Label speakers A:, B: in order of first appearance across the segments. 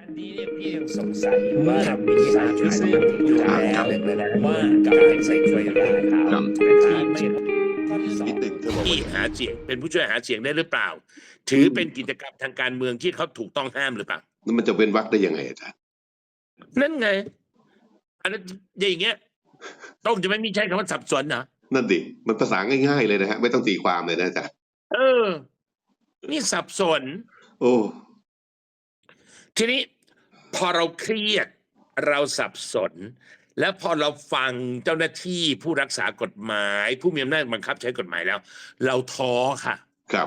A: อันนี้เนี่ยพี่ยังสงสัยอยู่ว่ามีสารซึ่งอยู่แล้วว่าการใส่ช่วยได้เขาที่ไม่ข้อที่สองที่หาเสียงเป็นผู้ช่วยหาเสียงได้หรือเปล่าถือเป็นกิจกรรมทางการเมืองที่เขาถูกต้องห้ามหรือเปล่า
B: แล้วมันจะเป็นวรรคได้ยังไงอาจารย์
A: นั่นไงอันนั้นอย่างเงี้ยต้องจะไม่มีใช้คำว่าสับสนเหรอ
B: นั่นดิมันภาษาง่ายๆเลยนะฮะไม่ต้องตีความเลยนะอาจารย์
A: นี่สับสน
B: โอ้
A: ทีนี้พอเราเครียดเราสับสนแล้วพอเราฟังเจ้าหน้าที่ผู้รักษากฎหมายผู้มีอำนาจบังคับใช้กฎหมายแล้วเราท้อค่ะ
B: ครับ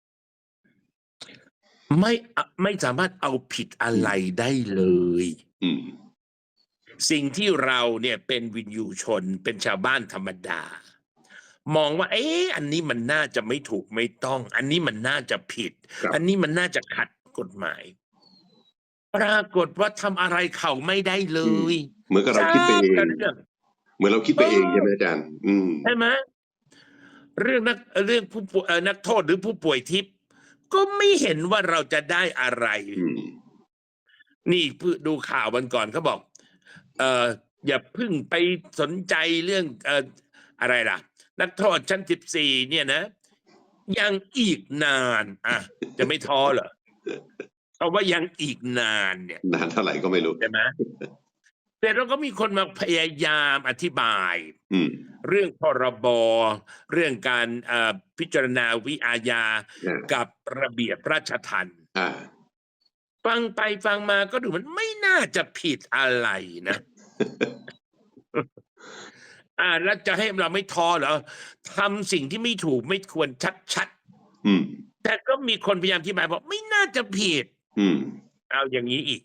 A: ไม่สามารถเอาผิดอะไรได้เลยสิ่งที่เราเนี่ยเป็นวินยูชนเป็นชาวบ้านธรรมดามองว่าอันนี้มันน่าจะไม่ถูกไม่ต้องอันนี้มันน่าจะผิดอันนี้มันน่าจะขัดกฎหมายปรากฏว่าทำอะไรเขาไม่ได้เลย
B: เหมือนกับเราคิดไปเองเหมือนเราคิดไปเองใช่ไหมอาจารย์
A: ใช่ไหมเรื่องผู้นักโทษหรือผู้ป่วยทิพย์ก็ไม่เห็นว่าเราจะได้อะไรนี่ดูข่าววันก่อนเขาบอกอย่าพึ่งไปสนใจเรื่องอะไรล่ะนักโทษชั้น14เนี่ยนะยังอีกนานจะไม่ท้อเหรอเพราะว่ายังอีกนานเนี่ย
B: นานเท่าไหร่ก็ไม่รู้
A: ใช่ไหมแต่เราก็มีคนมาพยายามอธิบายเรื่องพรบเรื่องการพิจารณาวิอาญากับระเบียบราชทัณฑ์ฟังไปฟังมาก็ดูมันไม่น่าจะผิดอะไรนะแล้วจะให้เราไม่ท้อเหรอทำสิ่งที่ไม่ถูกไม่ควรชัดๆแต่ก็มีคนพยายามอธิบายบอกไม่น่าจะผิดเอาอย่างนี้อีก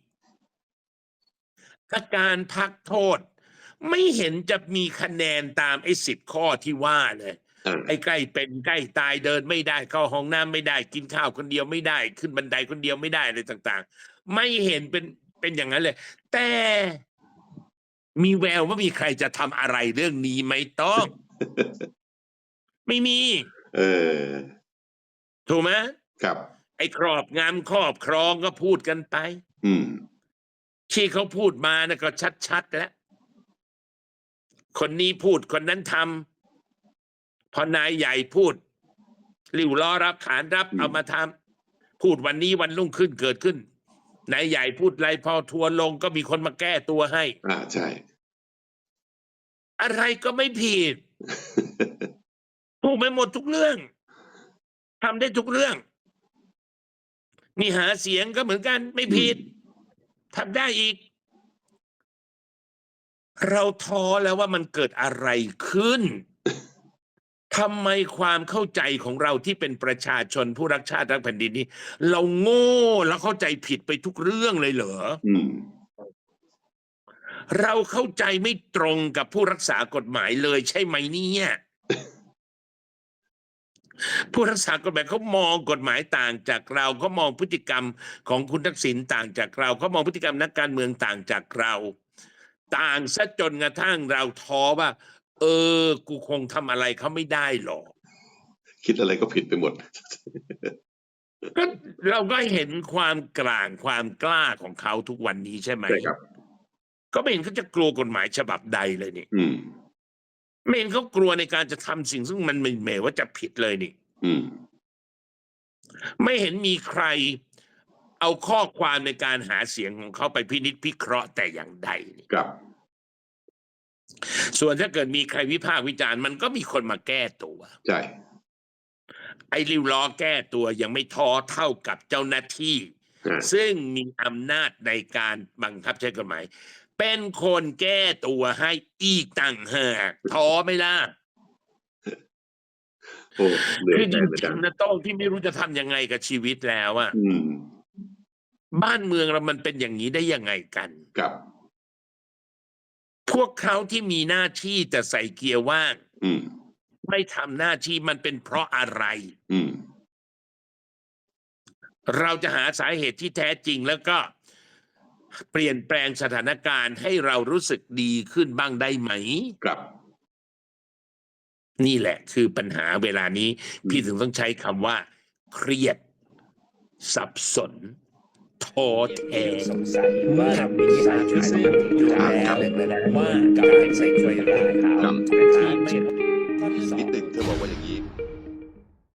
A: การพักโทษไม่เห็นจะมีคะแนนตาม10 ข้อที่ว่าเลยใกล้เป็นใกล้ตายเดินไม่ได้เข้าห้องน้ำไม่ได้กินข้าวคนเดียวไม่ได้ขึ้นบันไดคนเดียวไม่ได้อะไรต่างๆไม่เห็นเป็นอย่างนั้นเลยแต่มีแววว่ามีใครจะทำอะไรเรื่องนี้ไม่ต้องไม่มีถูกไหม
B: ครับ
A: ครอบงำครอบครองก็พูดกันไปที่เขาพูดมานะก็ชัดๆแล้วคนนี้พูดคนนั้นทำพอนายใหญ่พูดริ้วล้อรับขานรับเอามาทำพูดวันนี้วันรุ่งขึ้นเกิดขึ้นนายใหญ่พูดอะไรพอทัวร์ลงก็มีคนมาแก้ตัวให้
B: ใช่
A: อะไรก็ไม่ผิดพูดไปหมดทุกเรื่องทำได้ทุกเรื่องนี่หาเสียงก็เหมือนกันไม่ผิดทำได้อีกเราท้อแล้วว่ามันเกิดอะไรขึ้นทำไมความเข้าใจของเราที่เป็นประชาชนผู้รักชาติรักแผ่นดินนี้เราโง่แล้วเข้าใจผิดไปทุกเรื่องเลยเหรอเราเข้าใจไม่ตรงกับผู้รักษากฎหมายเลยใช่ไหมเนี่ยผู้รักษากฎหมายเขามองกฎหมายต่างจากเราเขามองพฤติกรรมของคุณทักษิณต่างจากเราเขามองพฤติกรรมนักการเมืองต่างจากเราต่างซะจนกระทั่งเราท้อว่ากูคงทำอะไรเขาไม่ได้หรอก
B: คิดอะไรก็ผิดไปหมด
A: ก็เราก็เห็นความกลางความกล้าของเขาทุกวันนี้ใช่ไหมก็ไม่เห็นเขาจะกลัวกฎหมายฉบับใดเลยนี่ไม่เห็นเขากลัวในการจะทำสิ่งซึ่งมันไม่แม้ว่าจะผิดเลยนี่ไม่เห็นมีใครเอาข้อความในการหาเสียงของเขาไปพินิจพิเคราะห์แต่อย่างใดนี่
B: ครับ
A: ส่วนถ้าเกิดมีใครวิพากษ์วิจารณ์มันก็มีคนมาแก้ตัว
B: ใช่
A: ริ้วล้อแก้ตัวยังไม่ท้อเท่ากับเจ้าหน้าที่ซึ่งมีอำนาจในการบังคับใช้กฎหมายเป็นคนแก้ตัวให้อีกต่างหากท้อไม่ล่ะคือจริงๆนะโต้งที่ไม่รู้จะทำยังไงกับชีวิตแล้วอ่ะบ้านเมืองเรามันเป็นอย่างนี้ได้ยังไงกัน
B: ครับ
A: พวกเขาที่มีหน้าที่แต่ใส่เกียร์ว่างไม่ทำหน้าที่มันเป็นเพราะอะไรเราจะหาสาเหตุที่แท้จริงแล้วก็เปลี่ยนแปลงสถานการณ์ให้เรารู้สึกดีขึ้นบ้างได้ไหม
B: ครับ
A: นี่แหละคือปัญหาเวลานี้พี่ถึงต้องใช้คำว่าเครียดสับสนโทษแท้
C: สงสัยว่ามีสารชุดซึ่งอยู่แล้วว่าการใส่ถ้วยลายขาวนะครับ